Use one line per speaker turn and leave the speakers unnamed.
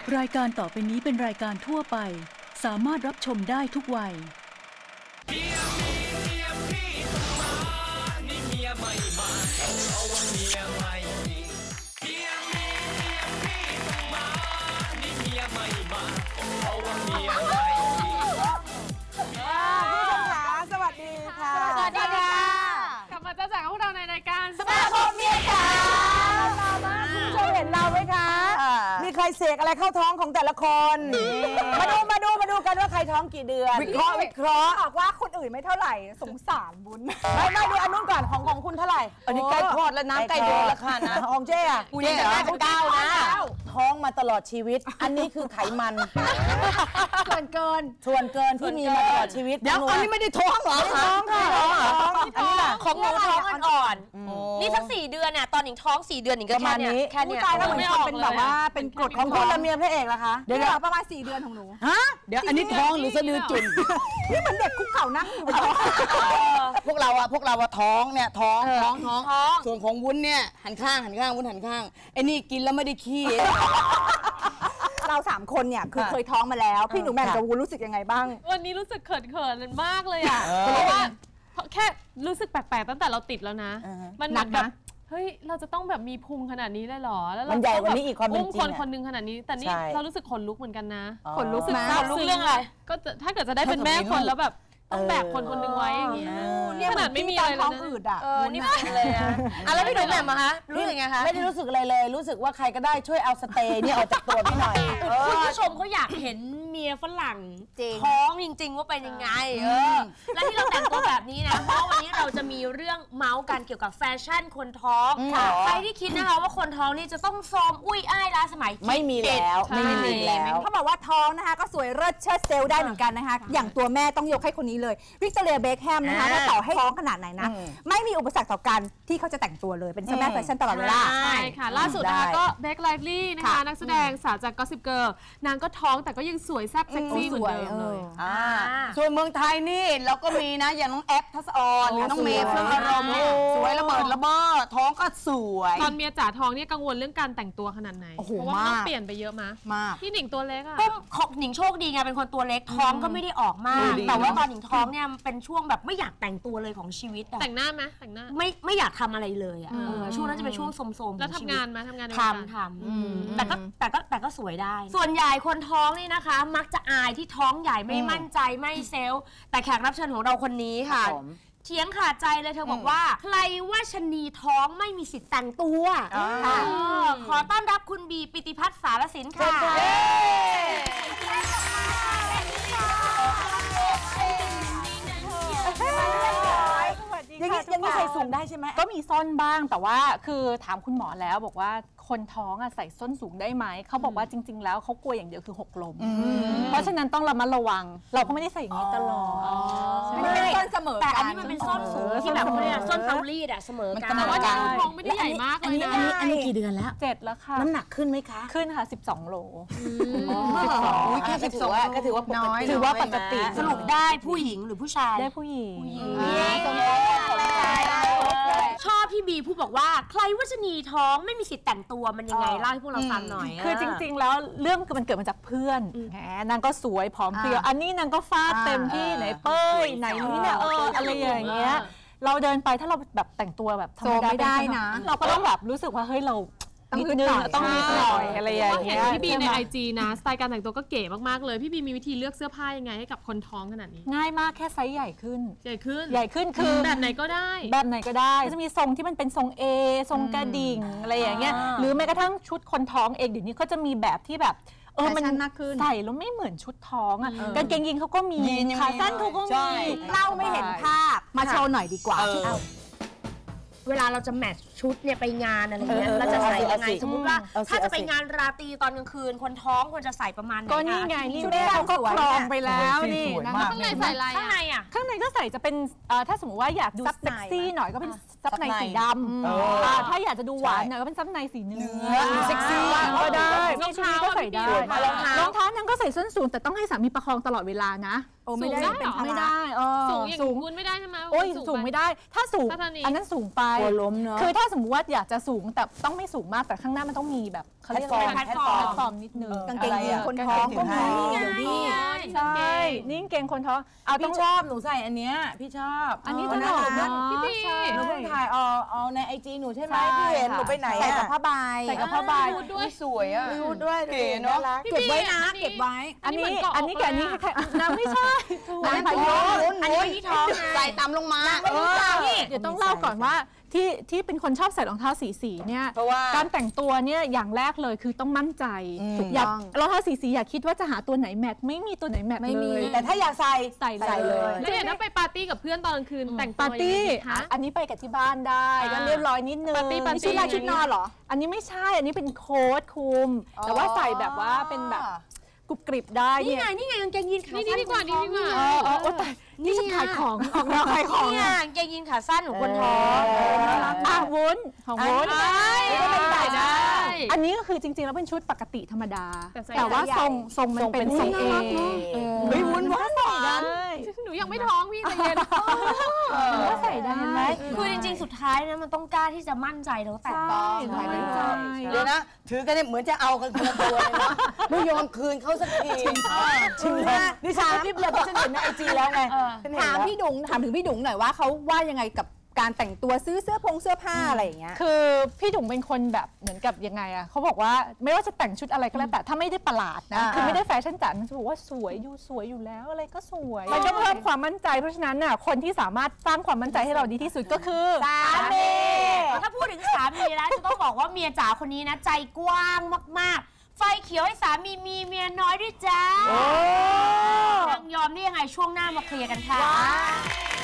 รายการต่อไปนี้เป็นรายการทั่วไปสามารถรับชมได้ทุกวัยเมียพี่ต้องมานี่เมียไม่มาเอาว่าเมียไม่มีเมียพี่ต้องมานี่เมียไม่มาเอาว่าเมียไม่มี
ผู้ชมคะสวัสดีค่ะ
สวัสดีค่ะ
กลับมาเจอกับพวกเราในรายการ
สมาคมเมียจ๋า
ผู้ชมเห็นเราไหมคะมีใครเสกอะไรเข้าท้องของแต่ละคนมาดูกันว่าใครท้องกี่เดือนวิเคราะห์
บอกว่าคนอื่นไม่เท่าไหร่สงสารบุญ
ไม่ดูอันนู้นก่อนของคุณเท่าไหร่
อันนี้ใกล้คลอดแล้วน้ำใกล้เดือนแล้วค่ะนะ
ของเจ๊อะ
เจ๊ได้เป็น9นะ
ท้องมาตลอดชีวิตอันนี้คือไขมัน
ส่วนเกิน
ที่มีมาตลอดชีวิต
เดี๋ยวอันนี้ไม่ได้ท้องเหรอ
ท้องค่ะ
อันนี้ล่ะของหนูท้องอ่อนๆนี่สัก4 เดือนน่ะตอนหนิงท้อง4 เดือนหนิงก็แค่นี้
ตายแล้วเหมือนคนเป็นแบบว่าเป็นกรด
ของคุณละเมียพระเอกล่ะคะ
เดี๋ยวประมาณ4 เดือนของหนู
ฮะเดี๋ยวอันนี้ท้องหรือสะดือจุ่น
นี่มันเด็กคุกเข่านั่งอยู่
พวกเราท้องเนี่ยท้องส่วนของวุ้นเนี่ยหันข้างวุ้นหันข้างไอ้นี่กินแล้วไม่ได้ขี้
เรา3 คนเนี่ยคือเคยท้องมาแล้วพี่หนูแหม่มกับวุ้นรู้สึกยังไงบ้าง
วันนี้รู้สึกเขินมากเลยอ่ะเพราะว่าแค่รู้สึกแปลกๆตั้งแต่เราติดแล้วนะมันหนักนะเฮ้ยเราจะต้องแบบมีพุงขนาดนี้เลยเหรอแล้ว
มันใหญ่กว่านี้อีกความเป็นจริง
คนนึงขนาดนี้แต่นี่เรารู้สึกขนลุกเหมือนกันนะ
ขนลุกนะ
ขนลุกเรื่องอะไรก็ถ้าเกิดจะได้เป็นแม่คนแล้วแบบต้องแบกคนนึงไว้อย่างเงี้ยขนาดไม่มีอะไรเลยนะ
อืดอ่ะ
นี่ไม่เลยอ่ะแล้วพี่หนูแหม่มอะคะรู้สึกไงคะ
ไม่ได้รู้สึกอะไรเลยรู้สึกว่าใครก็ได้ช่วยเอาสเตย์นี่ออกจากตัวพี่หน่อย
คุณผู้ชมเขาอยากเห็นเมียฝรั่งท้องจริงๆว่าเป็นยังไงและที่เราแต่งตัวแบบนี้นะเพราะวันนี้เราจะมีเรื่องเมาส์กันเกี่ยวกับแฟชั่นคนท้องใครที่คิดนะคะว่าคนท้องนี่จะต้องโทรมอุ้ยอ้ายล้าสมัย
ไม่มีแล้ว
เขาบอกว่าท้องนะคะก็สวยเลิศเชิดเซลได้เหมือนกันนะคะอย่างตัวแม่ต้องยกให้คนนี้เลยวิกตอเรียเบคแฮมนะคะว่าต่อให้ท้องขนาดไหนนะไม่มีอุปสรรคต่อการที่เขาจะแต่งตัวเลยเป็นเจ้าแม่แฟชั่นตลอดเวลา
ใช่ค่ะล่าสุดนะคะก็เบคไลฟ์ลี่นะคะนักแสดงสาวจากก็อสซิปเกิร์ลนางก็ท้องแต่ก็ยังสวยแซ่บเซ็กซี่เหมือนเดิมเลย
ส่วนเมืองไทยนี่เราก็มีนะอย่างน้องแอปทัศออนน้องเมย์เฟื่องอารมณ์สวยระเบิดระเบ้อท้องก็สวย
ตอนเมียจ๋าท้องเนี่ยกังวลเรื่องการแต่งตัวขนาดไหนเพราะว่าต้องเปลี่ยนไปเยอะมากพี่หนิงตัวเล็กอะ
ของหนิงโชคดีไงเป็นคนตัวเล็กท้องก็ไม่ได้ออกมากแต่ว่าตอนหนิงท้องเนี่ยเป็นช่วงแบบไม่อยากแต่งตัวเลยของชีวิต
แต่งหน้าไหมแต่งหน้า
ไม่อยากทำอะไรเลยอ่ะช่วงนั้นจะเป็นช่วงโสมๆ
แล้วทำงานไหมทำงาน
แต่ก็สวยได้ส่วนใหญ่คนท้องนี่นะคะมักจะอายที่ท้องใหญ่ไม่มั่นใจไม่เซลล์แต่แขกรับเชิญของเราคนนี้ค่ะเถียงขาดใจเลยเธอบอกว่าใครว่าชนีท้องไม่มีสิทธิ์แต่งตัวขอต้อนรับคุณบีปิติพัฒน์สารสินค่ะ
อย่างนี้ใส่สูงได้ใช่ไหม
ก็มีส้นบ้างแต่ว่าคือถามคุณหมอแล้วบอกว่าคนท้องใส่ส้นสูงได้ไหมเขาบอกว่าจริงๆแล้วเขากลัวอย่างเดียวคือหกล้มเพราะฉะนั้นต้องระมัดระวังเราก็ไม่ได้ใส่อย่างนี้ตลอด
ไม่ได้ส้นเสมอ
แต่อันนี้มันเป็นส้นสูงที่แบบส้นเตารีดอะเสมอกัน
แต่ว่าท้องไม่ได้ใหญ่มากเลยนะ
อันนี้กี่เดือนแล้ว
7แล้วค่ะ
น้ำหนักขึ้นไหมคะ
ขึ้นค่ะ12 โล
แค่12ก็ถือว่าน้อย
ถือว่าปกติ
สรุปได้ผู้หญิงหรือผู้ชาย
ได้ผู้หญิง
ชอบพี่บีพูดบอกว่าใครว่าชนีท้องไม่มีสิทธิ์แต่งตัวมันยังไงเล่าให้พวกเราฟังหน่อย
คือจริงๆแล้วเรื่องมันเกิดมาจากเพื่อนนางก็สวยผอมเพรียวอันนี้นางก็ฟาดเต็มที่ไหนเป้ยไหนนี่เนี่ยอะไรอย่างเงี้ยเราเดินไปถ้าเราแบบแต่งตัวแบบธรรมดาไม่ได้นะเราก็ต้องแบบรู้สึกว่าเฮ้ยเราต้องนิดหน่อยอะไรอย่างเงี้ย
พี่บีใน IG นะสไตล์การแต่งตัวก็เก๋มากๆเลยพี่บีมีวิธีเลือกเสื้อผ้ายังไงให้กับคนท้องขนาดนี้
ง่ายมากแค่ไซส์ใหญ่ขึ้นคือ
แบบไหนก็ได้
จะมีทรงที่มันเป็นทรง A ทรงกระดิ่งอะไรอย่างเงี้ยหรือแม้กระทั่งชุดคนท้องเองเดี๋ยวนี้ก็จะมีแบบที่แบบมันใส่แล้วไม่เหมือนชุดท้องกางเกงยีนเขาก็มีขาสั้นเขาก็มี
เล่าไม่เห็นภาพมาโชว์หน่อยดีกว่า
เวลาเราจะแมทชุดเนี่ยไปงานอะไรเงี้ยเราจะใส่ยังไงสมมุติว่าถ้าจะไปงานราตรีตอนกลางคืนคนท้องควรจะใส่ประมาณไหน
ก็นี่ไงนี่แม่เขาก็ครองไปแล้วนี่
นะคะข้างในใส่อะไร
ข้างใน
ข้างในก็ใส่จะเป็นถ้าสมมติว่าอยากดูเซ็กซี่หน่อยก็เป็นซับในสีดำถ้าอยากจะดูหวานหน่อยก็เป็นซับในสีเนื้อ
เซ็กซี่
ก็ได้รองเท้าก็ใส่ได้รองเท้านางก็ใส่ส้นสูงแต่ต้องให้สามีประคองตลอดเวลานะ
ไม่ได้เป็นภาระ
ไม่ได้
สูงอย่างคุณไม่ได้ใช่ไหม
โอ้ยสูงไม่ได้ถ้าสูง
ถ้าตอนนี้
อันนั้นสูงไป
กลัวล้มเนาะ
คือถ้าสมมติว่าอยากจะสูงแต่ต้องไม่สูงมากแต่ข้างหน้ามันต้องมีแบบเขาเรียกอะไร
แพลตฟอร์ม
แพลตฟอร์มนิดนึง
กางเกงยีนคน
ะไร
ท้องก็มี
เดี๋ยวนี้ใช่นี่กางเกงคนท้องเอาต้อ
พี่
ง
ชอบหนูใส่อันเนี้ยพี่ชอบ
อันนี้
ต
ตลกเนาะ
พี่
ใช่
หนูเพิ่งถ่ายเอาในไอจีหนูใช่ไหม
ใช่
พี่เห็น
ค่ะ
หนูไปไหน
ใส่กับ
อะ
ผ้าใบ
ใส่กับผ้าใบ
ด้วย
สวยอ่ะรูดด้วยเก๋เนาะ
เก็บไว้นะเก็บไว้
อันนี้
อันนี้เหมือนเกาะ
อันนี้กับอันนี้
อกเลยอะ
คล้ายๆน้ำไม่ใช่ถูก
อันนี้พายุ
อันนี้ที่ท้องไง
ใส่ตามลงมา
เดี๋ยวต้องเล่าก่อนว่าที่เป็นคนชอบใส่รองเท้าสีเนี่ย
เพราะว่า
การแต่งตัวเนี่ยอย่างแรกเลยคือต้องมั่นใจ
ถูก
อย่า
ต้อง
รองเท้าสีอย่าคิดว่าจะหาตัวไหนแมทไม่มีตัวไหนแมท
ไม่มี
เลย
แต่ถ้าอยากใส่
ใส่
ใส่เลย
แล้วอย่างถ้าไปปาร์ตี้กับเพื่อนตอนกลางคืนแต่ง
ปาร์ตี้
ยังไงดีคะ
อันนี้ไปกับที่บ้านได้ก็เรียบร้อยนิดนึง
ปาร์ตี้
ชุดลายชุดนอนเหรอ อันนี้ไม่ใช่อันนี้เป็นโค้ทคลุม แต่ว่าใส่แบบว่าเป็นแบบกรุบกริบได้
นี่
เนี่ย
ไงนี่ไงกางเกงยีนขา
นี่
สั้น
ดีกว่านี่ดีกว่า
โอ้แต่นี่จะขายของออกแนวขายของ
เนี่ย
อะ
กางเกงยีนขาสั้นของคนท้อง
อ่ะวุ้นของวุ้น
ใส่ได้
อันนี้ก็คือจริงๆแล้วเป็นชุดปกติธรรมดา
แต่ใส่
แต่ว่า
ใหญ่
ทรงมันเป็นทรงเอ
เฮ้ยวุ้นว่า
ได้
หนูยังไม่ท้องพี่ใจเย็น
ว่าใส่ได้
คือจริงๆ สุดท้ายนะมันต้องกล้าที่จะมั่นใจแล้วแต่ง
ใช่ใช่ใช่
เดี๋ยวนะ ถือกันเนี่ยเหมือนจะเอากันคนละตัวเลยนะไม่ยอมคืนเขาสักทีจริงนะนี่ฉันรีบเลยเพราะฉันเห็นในไอจีแล้วไงฉันเห็น
ถาม
แล้ว
พี่ดุงถามถึงพี่ดุงหน่อยว่าเขาว่ายังไงกับการแต่งตัวซื้อเสื้อผ้าอะไรอย่างเงี้ย
คือพี่ดุ๋งเป็นคนแบบเหมือนกับยังไงอะเขาบอกว่าไม่ว่าจะแต่งชุดอะไรก็แล้วแต่ถ้าไม่ได้ประหลาดนะคือไม่ได้แฟชั่นจ๋ามันจะบอกว่าสวยอยู่แล้วอะไรก็สวยมันก็เพิ่มความมั่นใจเพราะฉะนั้นน่ะคนที่สามารถสร้างความมั่นใจให้เราดีที่สุดก็คือ
สามีถ้าพูดถึงสามีแล้วจะต้องบอกว่าเมียจ๋าคนนี้นะใจกว้างมากๆ ไฟเขียวให้สามีมีเมียน้อยด้วยจ้านางยอมได้ยังไงช่วงหน้ามาเคลียร์กันค่ะ